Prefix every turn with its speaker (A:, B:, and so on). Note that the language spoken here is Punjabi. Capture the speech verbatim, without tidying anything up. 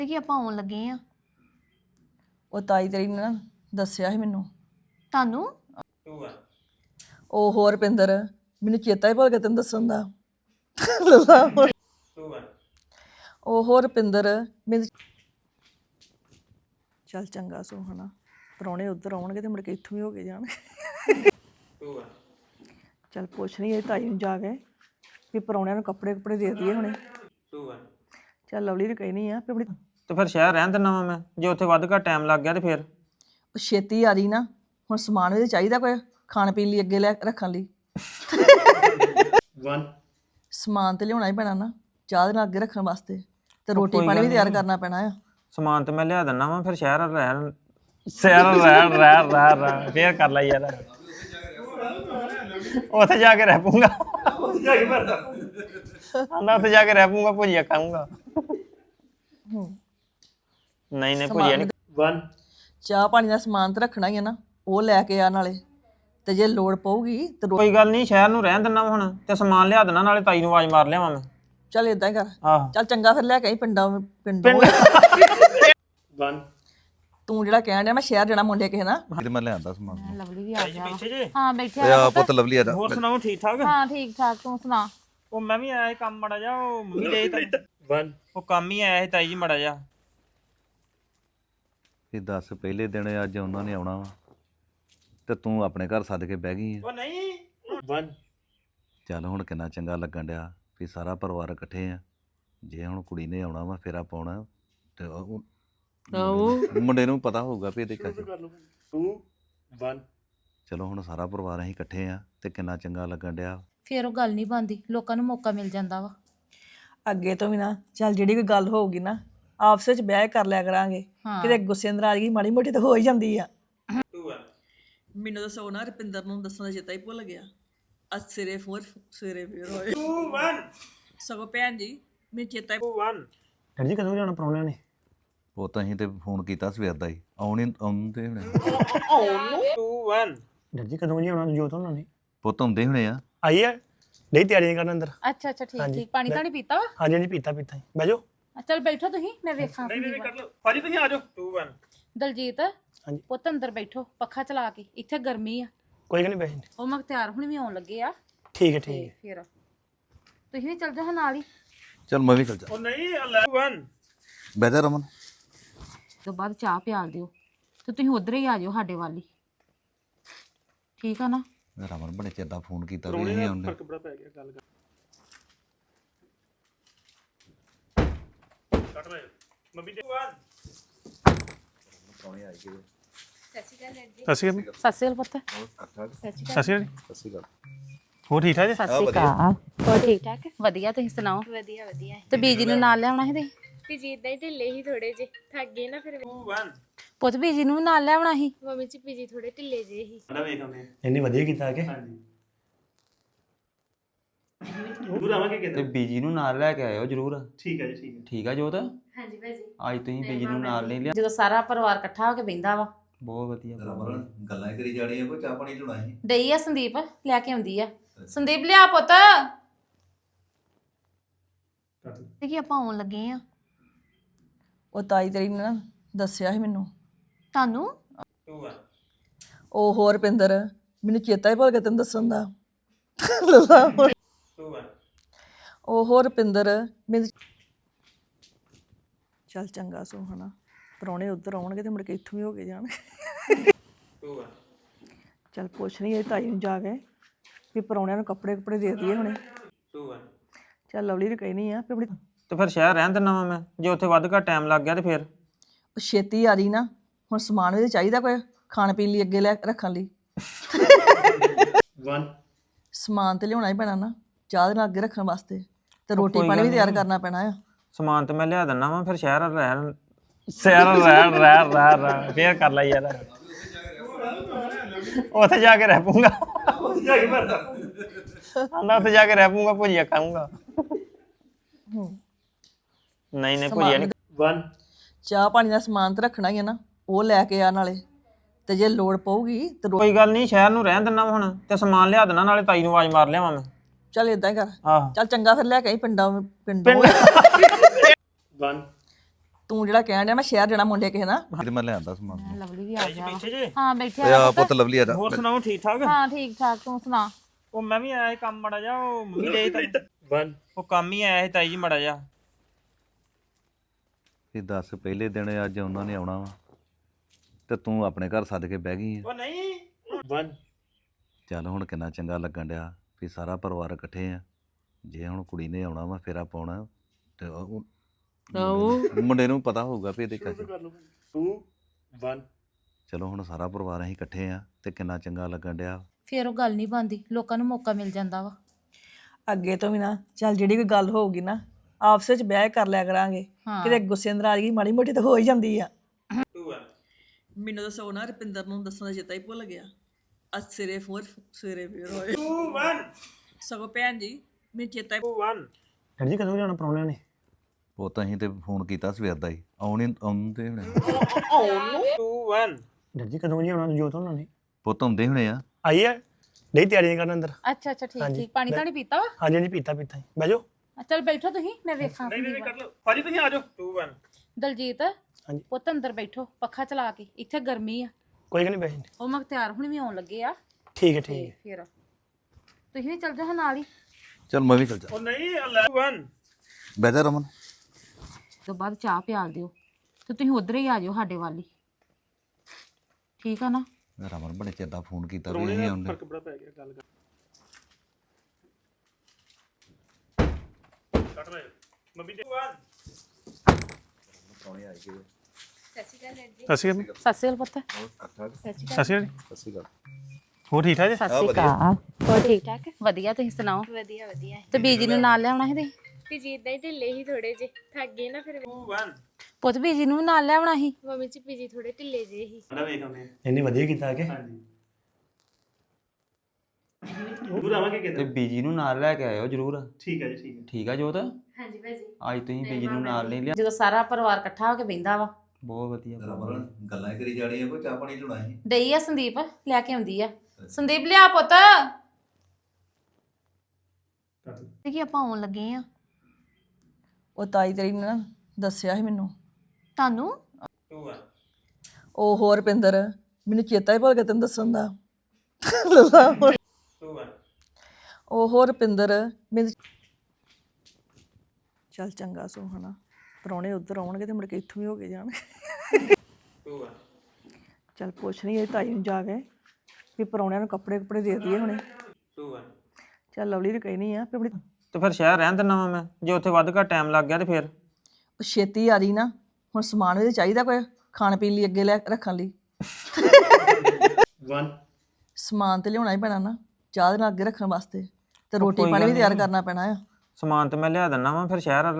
A: ਕਿ ਆਪਾਂ ਆਉਣ ਲੱਗੇ ਆ।
B: ਉਹ ਤਾਈ ਤੇਰੀ ਨੇ ਨਾ ਦੱਸਿਆ ਸੀ ਮੈਨੂੰ।
A: ਤੁਹਾਨੂੰ
B: ਉਹ ਹੋਰ ਰੁਪਿੰਦਰ ਮੈਨੂੰ ਚੇਤਾ ਹੀ ਭੁੱਲ ਗਿਆ ਤੈਨੂੰ ਦੱਸਣ ਦਾ। ਉਹ ਹੋਰ ਰੁਪਿੰਦਰ ਮੈਨੂੰ ਚੱਲ ਚੰਗਾ ਸੋ ਹਨਾ ਪ੍ਰਾਹੁਣੇ ਉੱਧਰ ਆਉਣਗੇ ਤੇ ਮੁੜ ਕੇ ਇੱਥੋਂ ਹੀ ਹੋ ਕੇ ਜਾਣਗੇ। ਚੱਲ ਪੁੱਛ ਨਹੀਂ ਇਹ ਤਾਈ ਨੂੰ ਜਾ ਕੇ ਵੀ ਪ੍ਰਾਹੁਣਿਆਂ ਨੂੰ ਕੱਪੜੇ ਕੁਪੜੇ ਦੇ ਦਈਏ ਹੁਣੇ। ਚੱਲ ਲਵਲੀ ਨੂੰ ਕਹਿਣੀ ਆ ਵੀ ਆਪਣੀ
C: ਤੇ ਫਿਰ ਸ਼ਹਿਰ ਰਹਿਣ ਦਿੰਦਾ ਵਾਂ ਮੈਂ ਜੇ ਉੱਥੇ ਵੱਧ ਘੱਟ ਟਾਈਮ ਲੱਗ ਗਿਆ ਤੇ ਫਿਰ
B: ਉਹ ਛੇਤੀ ਆ ਜੀ ਨਾ ਹੁਣ ਸਮਾਨ ਵੀ ਚਾਹੀਦਾ ਕੋਈ ਖਾਣ ਪੀਣ ਲਈ ਅੱਗੇ ਲੈ ਰੱਖਣ ਲਈ। ਸਮਾਨ ਤੇ ਲਿਆਉਣਾ ਹੀ ਪੈਣਾ ਨਾ ਚਾਹ ਦੇ ਨਾਲ ਅੱਗੇ ਰੱਖਣ ਵਾਸਤੇ ਤੇ ਰੋਟੀ ਪਾਣੀ ਵੀ ਤਿਆਰ ਕਰਨਾ ਪੈਣਾ ਆ।
C: ਸਮਾਨ ਤੇ ਮੈਂ ਲਿਆ ਦਿੰਦਾ ਵਾਂ ਫਿਰ ਸ਼ਹਿਰ ਰਹਿਣ ਸ਼ਹਿਰ ਰਹਿ ਰਹਿ ਰਹਿ ਰਹਿ ਫੇਰ ਕਰ ਲਈ ਯਾਰ ਉੱਥੇ ਜਾ ਕੇ ਰਹਿ ਪੂੰਗਾ ਉੱਥੇ ਜਾ ਕੇ ਮਰਦਾ ਆਂਦਾ ਉੱਥੇ ਜਾ ਕੇ ਰਹਿ ਪੂੰਗਾ ਭੁਜੀਆ ਖਾਊਂਗਾ। ਨਹੀਂ ਨਹੀਂ ਭੁਜੀਆ ਨਹੀਂ
B: ਚਾਹ ਪਾਣੀ ਦਾ ਸਮਾਨ ਤੇ ਰੱਖਣਾ ਹੀ ਆ ਨਾ ਉਹ ਲੈ ਕੇ ਆ ਨਾਲੇ ਤੇ ਜੇ ਲੋੜ ਪਊਗੀ ਤੇ
C: ਕੋਈ ਗੱਲ ਨਹੀਂ ਸ਼ਹਿਰ ਨੂੰ ਰਹਿਣ ਦਿੰਦਾ ਹੁਣ ਤੇ ਸਮਾਨ ਲਿਆ ਦੇਣਾ ਨਾਲੇ ਤਾਈ ਨੂੰ ਆਵਾਜ਼ ਮਾਰ ਲਿਆਵਾਂ ਮੈਂ।
B: ਚੱਲ ਇਦਾਂ ਹੀ ਕਰ
C: ਆਹ
B: ਚੱਲ ਚੰਗਾ ਫਿਰ ਲੈ ਕੇ ਆਈ ਪਿੰਡਾਂ ਪਿੰਡੋਂ ਤੂੰ ਜਿਹੜਾ ਕਹਿਣ ਡਿਆ ਮੈਂ ਸ਼ਹਿਰ ਜਾਣਾ ਮੁੰਡੇ ਕਿਸੇ ਨਾਲ
D: ਤੇ ਮੈਂ ਲਿਆਂਦਾ ਸਮਾਨ।
A: ਲਵਲੀ ਵੀ ਆ ਗਿਆ ਹਾਂ ਬੈਠੇ
D: ਓਏ ਆ ਪੁੱਤ ਲਵਲੀ ਆ ਜਾ।
C: ਹੋਰ ਸੁਣਾਓ ਠੀਕ ਠਾਕ?
A: ਹਾਂ ਠੀਕ ਠਾਕ ਤੂੰ ਸੁਣਾ।
C: ਉਹ ਮੈਂ ਵੀ ਆਇਆ ਸੀ ਕੰਮ ਮੜਾ ਜਾ ਉਹ ਮੰਮੀ ਦੇ ਤਾਂ ਉਹ ਕੰਮ ਹੀ ਆਇਆ ਸੀ ਤਾਈ ਜੀ ਮੜਾ ਜਾ।
D: ਇਹ ਦੱਸ ਪਹਿਲੇ ਦਿਨ ਅੱਜ ਉਹਨਾਂ ਨੇ ਆਉਣਾ ਵਾ ਤੇ ਤੂੰ ਆਪਣੇ ਘਰ ਸੱਦ ਕੇ ਬਹਿ ਗਈ ਆ।
C: ਉਹ ਨਹੀਂ
D: ਚੱਲ ਹੁਣ ਕਿੰਨਾ ਚੰਗਾ ਲੱਗਣ ਡਿਆ ਵੀ ਸਾਰਾ ਪਰਿਵਾਰ ਇਕੱਠੇ ਆ। ਜੇ ਹੁਣ ਕੁੜੀ ਨੇ ਆਉਣਾ ਵਾ ਫੇਰਾ ਪਾਉਣਾ ਤੇ ਉਹ ਮੁੰਡੇ ਨੂੰ ਪਤਾ ਹੋਊਗਾ ਵੀ ਇਹਦੇ ਕਾਜ ਚਲੋ ਹੁਣ ਸਾਰਾ ਪਰਿਵਾਰ ਅਸੀਂ ਇਕੱਠੇ ਆ ਤੇ ਕਿੰਨਾ ਚੰਗਾ ਲੱਗਣ ਡਿਆ।
A: ਫੇਰ ਉਹ ਗੱਲ ਨਹੀਂ ਬਣਦੀ ਲੋਕਾਂ ਨੂੰ ਮੌਕਾ ਮਿਲ ਜਾਂਦਾ ਵਾ।
B: ਅੱਗੇ ਤੋਂ ਵੀ ਨਾ ਚੱਲ ਜਿਹੜੀ ਕੋਈ ਗੱਲ ਹੋਊਗੀ ਨਾ ਆਪਸ ਵਿੱਚ ਬਹਿ ਕਰ ਲਿਆ ਕਰਾਂਗੇ ਕਿਤੇ ਗੁੱਸੇ ਨਾਰਾਜ਼ਗੀ ਮਾੜੀ ਮੋਟੀ ਤਾਂ ਹੋ ਹੀ ਜਾਂਦੀ ਆ। ਮੈਨੂੰ ਤਾਂ ਸੋ ਨਾ ਰੁਪਿੰਦਰ ਨੂੰ ਦੱਸਣ ਦਾ ਚੇਤਾ ਹੀ ਭੁੱਲ ਗਿਆ। ਅੱਜ ਸਿਰੇ ਫੋਰ ਸਿਰੇ ਫੇਰ ਹੋਏ ਸਗੋਂ ਭੈਣ ਜੀ ਮੈਨੂੰ ਚੇਤਾ
C: ਡਰ ਜੀ ਕਦੋਂ ਜਾਣਾ ਪ੍ਰਾਹੁਣਿਆਂ ਨੇ?
D: ਉਹ ਤਾਂ ਅਸੀਂ ਤੇ ਫੋਨ ਕੀਤਾ ਸਵੇਰ ਦਾ ਹੀ ਆਉਣੇ ਆਉਂਦੇ ਹੁਣੇ
C: ਡਰ ਜੀ ਕਦੋਂ ਜੀ ਆਉਣਾ ਜੋਤ ਉਹਨਾਂ ਨੇ?
D: ਪੁੱਤ ਆਉਂਦੇ ਹੁਣੇ ਆ।
C: ਆਈ ਹੈ ਨਹੀਂ ਤਿਆਰੀਆਂ ਕਰਨ ਅੰਦਰ।
A: ਅੱਛਾ ਅੱਛਾ ਠੀਕ ਠੀਕ ਪਾਣੀ ਤਾਂ ਨਹੀਂ ਪੀਤਾ ਵਾ?
C: ਹਾਂਜੀ ਹਾਂਜੀ ਪੀਤਾ ਪੀਤਾ ਬਹਿ ਜਾਓ।
A: ਚੱਲ ਬੈਠੋ ਤੁਸੀਂ ਮੈਂ ਵੇਖਾਂ।
C: ਨਹੀਂ ਨਹੀਂ ਕਰ ਲਓ ਭਾਜੀ ਤੁਸੀਂ ਆ ਜਾਓ। ਟੂ ਵਨ
A: ਦਲਜੀਤ
C: ਹਾਂਜੀ
A: ਪੁੱਤ ਅੰਦਰ ਬੈਠੋ ਪੱਖਾ ਚਲਾ ਕੇ ਇੱਥੇ ਗਰਮੀ ਆ।
C: ਕੋਈ ਗੱਲ ਨਹੀਂ ਬਹਿ
A: ਉਹ ਮਖਤਿਆਰ ਹੁਣ ਵੀ ਆਉਣ ਲੱਗੇ ਆ।
C: ਠੀਕ ਹੈ ਠੀਕ ਹੈ
A: ਫੇਰ ਤੁਸੀਂ ਵੀ ਚੱਲ ਜਾਓ ਨਾਲ ਹੀ।
D: ਚੱਲ ਮੈਂ ਵੀ ਚੱਲ ਜਾ।
C: ਉਹ ਨਹੀਂ ਲੈ ਵਨ
D: ਬਹਿ ਜਾ ਰਮਨ।
A: ਤੋਂ ਬਾਅਦ ਚਾਹ ਪਿਆਲ ਦਿਓ ਤੇ ਤੁਸੀਂ ਉਧਰ ਹੀ ਆ ਜਾਓ ਸਾਡੇ ਵੱਲ ਹੀ ਠੀਕ ਆ ਨਾ।
D: ਰਮਨ ਬੜੇ ਚਿਰ ਦਾ ਫੋਨ ਕੀਤਾ ਵੀ ਅਸੀਂ ਆਉਂਦੇ।
C: ਫਰਕ ਬੜਾ ਪੈ ਗਿਆ ਗੱਲ ਕਰ ਕੱਟ ਲੈ ਮੰਮੀ ਦੇ ਵਨ
D: ਪ੍ਰਾਹੁਣੇ ਆਏ ਗਏ।
C: ਸਤਿ ਸ਼੍ਰੀ ਅਕਾਲ
A: ਸਤਿ ਸ਼੍ਰੀ ਅਕਾਲ ਪੁੱਤ।
C: ਸਤਿ ਸ਼੍ਰੀ ਅਕਾਲ
D: ਸਤਿ ਸ਼੍ਰੀ ਅਕਾਲ।
C: ਹੋਰ ਠੀਕ ਠਾਕ ਜੀ?
A: ਸਤਿ ਸ਼੍ਰੀ ਅਕਾਲ ਹੋਰ ਠੀਕ ਠਾਕ ਵਧੀਆ ਤੁਸੀਂ ਸੁਣਾਓ?
E: ਵਧੀਆ ਵਧੀਆ
A: ਤੇ ਬੀਜੀ ਨੂੰ ਨਾਲ ਲਿਆਉਣਾ ਸੀ ਤੁਸੀਂ?
E: ਪੀਜੀ ਇਦਾਂ ਹੀ ਢਿੱਲੇ ਹੀ ਥੋੜੇ ਜੇ ਥੱਕ ਗਏ ਨਾ ਫਿਰ
A: ਪੁੱਤ ਬੀਜੀ ਨੂੰ ਵੀ ਨਾਲ ਲਿਆਉਣਾ ਸੀ।
E: ਮੰਮੀ ਚ ਪੀਜੀ ਥੋੜੇ ਢਿੱਲੇ ਜੇ ਹੀ
C: ਇੰਨੀ ਵਧੀਆ ਕੀਤਾ ਕਿ ਹਾਂਜੀ ਜ਼ਰੂਰ ਆਵਾਂਗੇ ਕਿਤੇ
F: ਤੇ ਬੀਜੀ ਨੂੰ ਨਾਲ ਲੈ ਕੇ ਆਇਓ ਜਰੂਰ।
C: ਠੀਕ ਹੈ ਜੀ ਠੀਕ ਹੈ
F: ਠੀਕ ਆ ਜੋਤ?
E: ਹਾਂਜੀ ਭਾਜੀ
F: ਅੱਜ ਤੁਸੀਂ ਬੀਜੀ ਨੂੰ ਨਾਲ ਨਹੀਂ ਲਿਆ।
A: ਜਦੋਂ ਸਾਰਾ ਪਰਿਵਾਰ ਇਕੱਠਾ ਹੋ ਕੇ ਬਹਿੰਦਾ ਵਾ
F: ਬਹੁਤ ਵਧੀਆ
D: ਰਮਨ ਗੱਲਾਂ ਕਰੀ ਜਾਣੀਆਂ ਕੋਈ ਚਾਹ ਪਾਣੀ ਲਿਆਉਣਾ ਸੀ।
A: ਡਈ ਆ ਸੰਦੀਪ ਲੈ ਕੇ ਆਉਂਦੀ ਆ। ਸੰਦੀਪ ਲਿਆ ਪੁੱਤ ਕਿ ਆਪਾਂ ਆਉਣ ਲੱਗੇ ਆ।
B: ਉਹ ਤਾਈ ਤੇਰੀ ਨੇ ਨਾ ਦੱਸਿਆ ਸੀ ਮੈਨੂੰ।
A: ਤੁਹਾਨੂੰ
B: ਉਹ ਹੋਰ ਰੁਪਿੰਦਰ ਮੈਨੂੰ ਚੇਤਾ ਹੀ ਭੁੱਲ ਗਿਆ ਤੈਨੂੰ ਦੱਸਣ ਦਾ। ਉਹ ਹੋਰ ਰੁਪਿੰਦਰ ਮੈਨੂੰ ਚੱਲ ਚੰਗਾ ਸੋ ਹਨਾ ਪ੍ਰਾਹੁਣੇ ਉੱਧਰ ਆਉਣਗੇ ਤੇ ਮੁੜ ਕੇ ਇੱਥੋਂ ਹੀ ਹੋ ਕੇ ਜਾਣਗੇ। ਚੱਲ ਪੁੱਛ ਨਹੀਂ ਇਹ ਤਾਈ ਨੂੰ ਜਾ ਕੇ ਵੀ ਪ੍ਰਾਹੁਣਿਆਂ ਨੂੰ ਕੱਪੜੇ ਕੁਪੜੇ ਦੇ ਦਈਏ ਹੁਣੇ। ਚੱਲ ਲਵਲੀ ਨੂੰ ਕਹਿਣੀ ਆ ਵੀ ਆਪਣੀ
C: ਤੇ ਫਿਰ ਸ਼ਹਿਰ ਰਹਿਣ ਦਿੰਦਾ ਵਾਂ ਮੈਂ ਜੇ ਉੱਥੇ ਵੱਧ ਘੱਟ ਟਾਈਮ ਲੱਗ ਗਿਆ ਤੇ ਫਿਰ
B: ਉਹ ਛੇਤੀ ਆ ਜੀ ਨਾ ਹੁਣ ਸਮਾਨ ਵੀ ਚਾਹੀਦਾ ਕੋਈ ਖਾਣ ਪੀਣ ਲਈ ਅੱਗੇ ਲੈ ਰੱਖਣ ਲਈ। ਸਮਾਨ ਤੇ ਲਿਆਉਣਾ ਹੀ ਪੈਣਾ ਨਾ ਚਾਹ ਦੇ ਨਾਲ ਅੱਗੇ ਰੱਖਣ ਵਾਸਤੇ ਤੇ ਰੋਟੀ ਪਾਣੀ ਵੀ ਤਿਆਰ ਕਰਨਾ ਪੈਣਾ ਆ।
C: ਸਮਾਨ ਤੇ ਮੈਂ ਲਿਆ ਦਿੰਦਾ ਵਾਂ ਫਿਰ ਸ਼ਹਿਰ ਰਹਿਣ ਸ਼ਹਿਰ ਰਹਿ ਰਹਿ ਰਹਿ ਫੇਰ ਕਰ ਲਈ ਯਾਰ ਉੱਥੇ ਜਾ ਕੇ ਰਹਿ ਪੂੰਗਾ ਉੱਥੇ ਜਾ ਕੇ ਮਰਦਾ ਆਂਦਾ ਉੱਥੇ ਜਾ ਕੇ ਰਹਿ ਪੂੰਗਾ ਭੁਜੀਆ ਖਾਊਂਗਾ। ਨਹੀਂ ਨਹੀਂ ਭੁਜੀਆ ਨਹੀਂ ਵਨ
B: ਚਾਹ ਪਾਣੀ ਦਾ ਸਮਾਨ ਤੇ ਰੱਖਣਾ ਹੀ ਆ ਨਾ ਉਹ ਲੈ ਕੇ ਆ ਨਾਲੇ ਤੇ ਜੇ ਲੋੜ ਪਊਗੀ ਤੇ
C: ਕੋਈ ਗੱਲ ਨਹੀਂ ਸ਼ਹਿਰ ਨੂੰ ਰਹਿਣ ਦਿੰਦਾ ਹੁਣ ਤੇ ਸਮਾਨ ਲਿਆ ਦੇਣਾ ਨਾਲੇ ਤਾਈ ਨੂੰ ਆਵਾਜ਼ ਮਾਰ ਲਿਆਵਾਂ ਮੈਂ।
B: ਚੱਲ ਇਦਾਂ ਹੀ ਕਰ
C: ਆਹ
B: ਚੱਲ ਚੰਗਾ ਫਿਰ ਲੈ ਕੇ ਆਈ ਪਿੰਡਾਂ ਪਿੰਡੋਂ ਤੂੰ ਜਿਹੜਾ ਕਹਿਣ ਡਿਆ ਮੈਂ ਸ਼ਹਿਰ ਜਾਣਾ ਮੁੰਡੇ ਕਿਸੇ ਨਾਲ
D: ਤੇ ਮੈਂ ਲਿਆਂਦਾ ਸਮਾਨ
A: ਲਵਲੀ ਵੀ ਆ ਗਿਆ ਵਾ।
C: ਬੈਠੇ ਜੇ
A: ਹਾਂ ਬੈਠਿਆ
D: ਓਏ ਆ
A: ਵਾ
D: ਪੁੱਤ ਲਵਲੀ ਆ ਜਾ
C: ਹੋਰ ਸੁਣਾਓ ਠੀਕ ਠਾਕ
A: ਹਾਂ ਠੀਕ ਠਾਕ ਤੂੰ ਸੁਣਾ।
C: ਉਹ ਮੈਂ ਵੀ ਆਇਆ ਸੀ ਕੰਮ ਮੜਾ ਜਾ ਉਹ ਮੰਮੀ ਦੇ ਤਾਂ ਉਹ ਕੰਮ ਹੀ ਆਇਆ ਸੀ ਤਾਈ ਜੀ ਮੜਾ ਜਾ
D: ਇਹ ਦੱਸ ਪਹਿਲੇ ਦਿਨ ਅੱਜ ਉਹਨਾਂ ਨੇ ਆਉਣਾ ਵਾ ਤੇ ਤੂੰ ਆਪਣੇ ਘਰ ਸੱਦ ਕੇ ਬਹਿ ਗਈ ਆ
C: ਉਹ ਨਹੀਂ
D: ਚੱਲ ਹੁਣ ਕਿੰਨਾ ਚੰਗਾ ਲੱਗਣ ਡਿਆ ਵੀ ਸਾਰਾ ਪਰਿਵਾਰ ਇਕੱਠੇ ਆ ਜੇ ਹੁਣ ਕੁੜੀ ਨੇ ਆਉਣਾ ਵਾ ਫੇਰਾ ਪਾਉਣਾ ਤੇ ਉਹ ਮੁੰਡੇ- ਮੁੰਡੇ ਨੂੰ ਪਤਾ ਹੋਊਗਾ ਵੀ ਇਹਦੇ ਕਰਕੇ ਚਲੋ ਹੁਣ ਸਾਰਾ ਪਰਿਵਾਰ ਅਸੀਂ ਇਕੱਠੇ ਆ ਤੇ ਕਿੰਨਾ ਚੰਗਾ ਲੱਗਣ ਡਿਆ
A: ਫੇਰ ਉਹ ਗੱਲ ਨਹੀਂ ਬਣਦੀ, ਲੋਕਾਂ ਨੂੰ ਮੌਕਾ ਮਿਲ ਜਾਂਦਾ ਵਾ।
B: ਅੱਗੇ ਤੋਂ ਵੀ ਨਾ ਚੱਲ ਜਿਹੜੀ ਕੋਈ ਗੱਲ ਹੋਊਗੀ ਨਾ ਆਪਸ ਵਿੱਚ ਬਹਿ ਕੇ ਕਰ ਲਿਆ ਕਰਾਂਗੇ
A: ਹਾਂ।
B: ਕਿਤੇ ਗੁੱਸੇ ਨਰਾਜ਼ਗੀ ਮਾੜੀ ਮੋਟੀ ਤਾਂ ਹੋ ਹੀ ਜਾਂਦੀ ਆ ਮੈਨੂੰ ਤਾਂ ਸੋ ਨਾ ਰੁਪਿੰਦਰ ਨੂੰ ਦੱਸਣ ਦਾ ਚੇਤਾ ਹੀ ਭੁੱਲ ਗਿਆ ਅੱਜ ਸਵੇਰੇ ਫੋਰ ਸਵੇਰੇ ਫੇਰ ਹੋਏ ਸਗੋਂ ਭੈਣ ਜੀ ਮੈਨੂੰ ਚੇਤਾ ਹੀ
G: ਡੈਡੀ ਜੀ ਕਦੋਂ ਜਾਣਾ ਪ੍ਰਾਹੁਣਿਆਂ ਨੇ
D: ਪੁੱਤ ਅਸੀਂ ਤੇ ਫੋਨ ਕੀਤਾ ਸਵੇਰ ਦਾ ਹੀ ਆਉਣੇ ਆਉਂਦੇ ਹੁਣੇ
G: ਡੈਡੀ ਜੀ ਕਦੋਂ ਜੀ ਆਉਣਾ ਜੋਤ ਉਹਨਾਂ ਨੇ
D: ਪੁੱਤ ਆਉਂਦੇ ਹੁਣੇ ਆ
G: ਆਈ ਹੈ ਨਹੀਂ ਤਿਆਰੀਆਂ ਕਰਨ ਅੰਦਰ
A: ਅੱਛਾ ਅੱਛਾ ਠੀਕ ਠੀਕ ਪਾਣੀ ਤਾਂ ਨਹੀਂ ਪੀਤਾ ਵਾ?
G: ਹਾਂਜੀ ਹਾਂਜੀ ਪੀਤਾ ਪੀਤਾ ਜੀ ਬਹਿ ਜਾਓ
A: ਚੱਲ ਬੈਠੋ ਤੁਸੀਂ ਮੈਂ ਵੇਖਾਂ ਸੰਦੀਪ ਵੱਲ।
C: ਭਾਜੀ ਤੁਸੀਂ ਆ ਜਾਓ ਟੂ ਵਨ
A: ਦਲਜੀਤ
G: ਹਾਂਜੀ।
A: ਪੁੱਤ ਅੰਦਰ ਬੈਠੋ ਪੱਖਾ ਚਲਾ ਕੇ, ਇੱਥੇ ਗਰਮੀ ਆ।
G: ਕੋਈ ਗੱਲ ਨਹੀਂ ਬਹਿ ਜਾਂਦੇ
A: ਉਹ ਮਖਤਿਆਰ ਹੁਣ ਵੀ ਆਉਣ ਲੱਗੇ ਆ
G: ਠੀਕ ਹੈ
A: ਤੇ
G: ਠੀਕ ਹੈ
A: ਫਿਰ ਤੁਸੀਂ ਵੀ ਚੱਲ ਜਾਓ ਨਾਲ ਹੀ।
D: ਚੱਲ ਮੈਂ ਵੀ ਚੱਲ ਜਾ
C: ਉਹ ਨਹੀਂ ਲੈ ਵਨ
D: ਬਹਿ ਜਾ ਰਮਨ
A: ਤੋਂ ਬਾਅਦ ਚਾਹ ਪਿਆਲ ਦਿਓ ਤੇ ਤੁਸੀਂ ਉਧਰ ਹੀ ਆ ਜਾਓ ਸਾਡੇ ਵੱਲ ਹੀ, ਠੀਕ ਆ ਨਾ?
D: ਰਮਨ ਬੜੇ ਚਿਰ ਦਾ ਫੋਨ ਕੀਤਾ ਵੀ ਅਸੀਂ ਆਉਂਦੇ
G: ਬੜਾ ਪੈ ਗਿਆ ਗੱਲ ਕਰ
C: ਮੰਮੀ ਦੇ ਵਨ
G: ਸਤਿ ਸ਼੍ਰੀ ਅਕਾਲ
A: ਸਤਿ ਸ਼੍ਰੀ ਅਕਾਲ ਪੁੱਤ।
G: ਸਤਿ ਸ਼੍ਰੀ ਅਕਾਲ
D: ਸਤਿ ਸ਼੍ਰੀ ਅਕਾਲ
G: ਹੋਰ ਠੀਕ ਠਾਕ ਜੀ
A: ਸਤਿ ਸ਼੍ਰੀ ਅਕਾਲ। ਹੋਰ ਠੀਕ ਠਾਕ? ਵਧੀਆ, ਤੁਸੀਂ ਸੁਣਾਓ?
E: ਵਧੀਆ ਵਧੀਆ
A: ਤੇ ਬੀਜੀ ਨੂੰ ਨਾਲ ਲਿਆਉਣਾ ਸੀ ਤੁਸੀਂ?
E: ਪੀਜੀ ਇਦਾਂ ਹੀ ਢਿੱਲੇ ਹੀ ਥੋੜੇ ਜੇ ਥੱਕ ਗਏ ਨਾ ਫਿਰ
C: ਟੂ ਵਨ
A: ਪੁੱਤ ਬੀਜੀ ਨੂੰ ਵੀ ਨਾਲ ਲਿਆਉਣਾ ਸੀ।
E: ਮੰਮੀ ਚ ਪੀਜੀ ਥੋੜੇ ਢਿੱਲੇ ਜੇ ਹੀ
G: ਇੰਨੀ ਵਧੀਆ ਕੀਤਾ ਕਿ
F: ਤੇ ਬੀਜੀ ਨੂੰ ਨਾਲ ਲੈ ਕੇ ਆਇਓ ਜਰੂਰ
G: ਠੀਕ ਹੈ ਜੀ ਠੀਕ ਹੈ
F: ਠੀਕ ਆ ਜੋਤ
E: ਹਾਂਜੀ ਭਾਜੀ
F: ਅੱਜ ਤੁਸੀਂ ਬੀਜੀ ਨੂੰ ਨਾਲ ਨਹੀਂ ਲਿਆ
A: ਜਦੋਂ ਸਾਰਾ ਪਰਿਵਾਰ ਇਕੱਠਾ ਹੋ ਕੇ ਬਹਿੰਦਾ ਵਾ।
F: ਬਹੁਤ ਵਧੀਆ ਬਹੁਤ ਵਧੀਆ।
D: ਰਮਨ ਗੱਲਾਂ ਕਰੀ ਜਾਣੀਆਂ ਕੋਈ ਚਾਹ ਪਾਣੀ ਲਿਆਉਣਾ ਸੀ
A: ਡਈ ਆ ਸੰਦੀਪ ਲੈ ਕੇ ਆਉਂਦੀ ਆ। ਸੰਦੀਪ ਲਿਆ ਪੁੱਤ
H: ਕਿ ਆਪਾਂ ਆਉਣ ਲੱਗੇ ਆ
B: ਉਹ ਤਾਈ ਤੇਰੀ ਨੇ ਨਾ ਦੱਸਿਆ ਸੀ ਮੈਨੂੰ
H: ਤੁਹਾਨੂੰ
C: ਟੂ ਵਨ
B: ਉਹ ਹੋਰ ਰੁਪਿੰਦਰ ਮੈਨੂੰ ਚੇਤਾ ਹੀ ਭੁੱਲ ਗਿਆ ਤੈਨੂੰ ਦੱਸਣ ਦਾ
C: ਟੂ ਵਨ
B: ਉਹ ਹੋਰ ਰੁਪਿੰਦਰ ਮੈਨੂੰ ਚੱਲ ਚੰਗਾ ਸੋ ਹਨਾ ਪ੍ਰਾਹੁਣੇ ਉੱਧਰ ਆਉਣਗੇ ਤੇ ਮੁੜ ਕੇ ਇੱਥੋਂ ਹੀ ਹੋ ਕੇ ਜਾਣਗੇ
C: ਟੂ ਵਨ
B: ਚੱਲ ਪੁੱਛ ਨਹੀਂ ਇਹ ਤਾਈ ਨੂੰ ਜਾ ਕੇ ਵੀ ਪ੍ਰਾਹੁਣਿਆਂ ਨੂੰ ਕੱਪੜੇ ਕੁਪੜੇ ਦੇ ਦਈਏ ਹੁਣੇ
C: ਟੂ ਵਨ
B: ਚੱਲ ਲਵਲੀ ਨੂੰ ਕਹਿਣੀ ਆ ਵੀ ਆਪਣੀ
C: ਤੇ ਫਿਰ ਸ਼ਹਿਰ ਰਹਿਣ ਦਿੰਦਾ ਵਾਂ ਮੈਂ ਜੇ ਉੱਥੇ ਵੱਧ ਘੱਟ ਟਾਈਮ ਲੱਗ ਗਿਆ ਤੇ ਫਿਰ
B: ਉਹ ਛੇਤੀ ਆ ਰਹੀ ਨਾ ਹੁਣ ਸਮਾਨ ਵੀ ਤਾਂ ਚਾਹੀਦਾ ਕੋਈ ਖਾਣ ਪੀਣ ਲਈ ਅੱਗੇ ਲੈ ਰੱਖਣ ਲਈ
G: ਵਨ
B: ਸਮਾਨ ਤੇ ਲਿਆਉਣਾ ਹੀ ਪੈਣਾ ਨਾ ਚਾਹ ਦੇ ਨਾਲ ਅੱਗੇ ਰੱਖਣ ਵਾਸਤੇ ਤੇ ਰੋਟੀ ਪਾਣੀ ਵੀ ਤਿਆਰ ਕਰਨਾ ਪੈਣਾ ਆ
C: ਸਮਾਨ ਤੇ ਮੈਂ ਲਿਆ ਦਿੰਦਾ ਵਾਂ ਫਿਰ ਸ਼ਹਿਰ